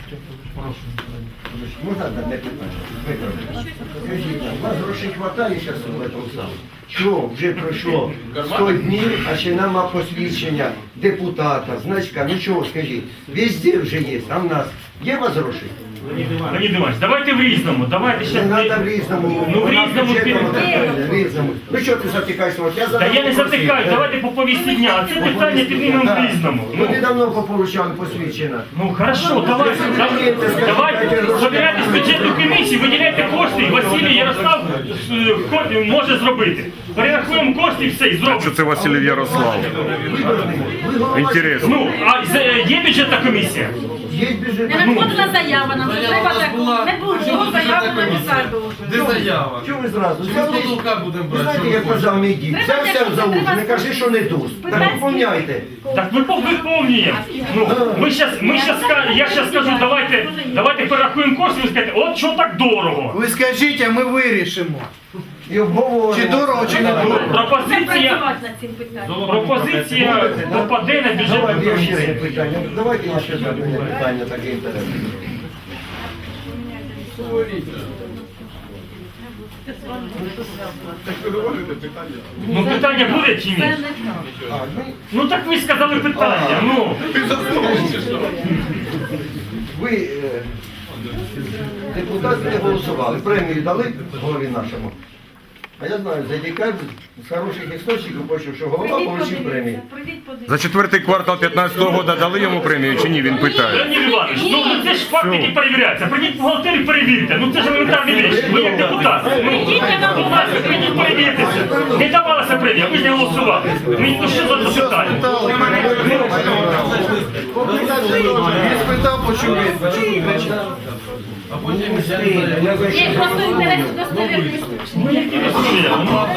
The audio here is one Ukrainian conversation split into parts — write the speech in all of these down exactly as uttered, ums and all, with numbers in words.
Можна одне питання? Скажіть, у вас грошей хватає зараз в цьому самому? Що, вже пройшло сто днів, а ще нема посвідчення депутата, значка, ну чого, скажіть, везде вже є, а в нас є у вас гроші? Леонід Іванович, давайте в різному, давайте ще... Не треба в різному. Ну в різному... В різному. Ну що ти затикаєшся? Я Та я не затикаю, давайте по повісті дня, а це питання піднімемо в різному. Ну ти давно пополучав посвідчення. Ну хорошо, давайте, давайте, давайте, забирайте з бюджетну комісію, виділяйте кошти, і Василій Ярослав е, ко- може зробити. Перерахуємо кошти і все, і зробимо. Що це Василь Ярослав? Інтересно. Ну, а з- є бюджетна комісія? Є бюджет. Не надходила заява, нам треба таку. Не було заяви написати було. Де заява? Чому ви зразу? Що Взяли? потолка будемо Ви брати? знаєте, як казав мій дід, взявся за ус, не кажи, що не душ. Так виповняйте. Так ви виповнюємо. Ну, ми щас, ми щас, ска- я зараз скажу, давайте, давайте перерахуємо кошти, ви скажете, от що так дорого. Ви скажіть, а ми вирішимо. І обговоримо. Чи дорого, чи не дорого. Не Пропозиція, працювати над цим питанням. пропозиція попаде на бюджетну Давайте ще одне комісію. питання. Давайте ще одне питання таке інтересне. Ну питання буде чи ні? А, ну, Ну так ви сказали питання, ну. ви, е, депутати не голосували, премію дали голові нашому. А я знаю, за декабрь з хороших істочників почув, що голова отримав премію. За четвертий квартал п'ятнадцятого року дали йому премію чи ні, він питає. Леонід Іванович, ну ну, це ж факт, який перевіряється. Прийдіть бухгалтерію, перевірте. Ну це ж елементарні речі. Ви як депутат. Ну, будь ласка, прийдіть, перевіртеся. Не давалася премія, ви ж не голосували. Ну що за запитання? Він спитав, почув відповідь. А потім я не знаю. Є просто інтерес достовірний. Ну які ви смієте?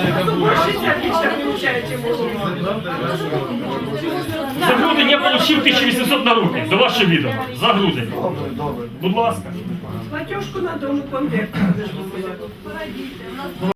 За грудень я отримав тисячу вісімсот на руки, до вашого відома. За грудень. Добре, добре. Будь ласка. Платежку на дому конверт.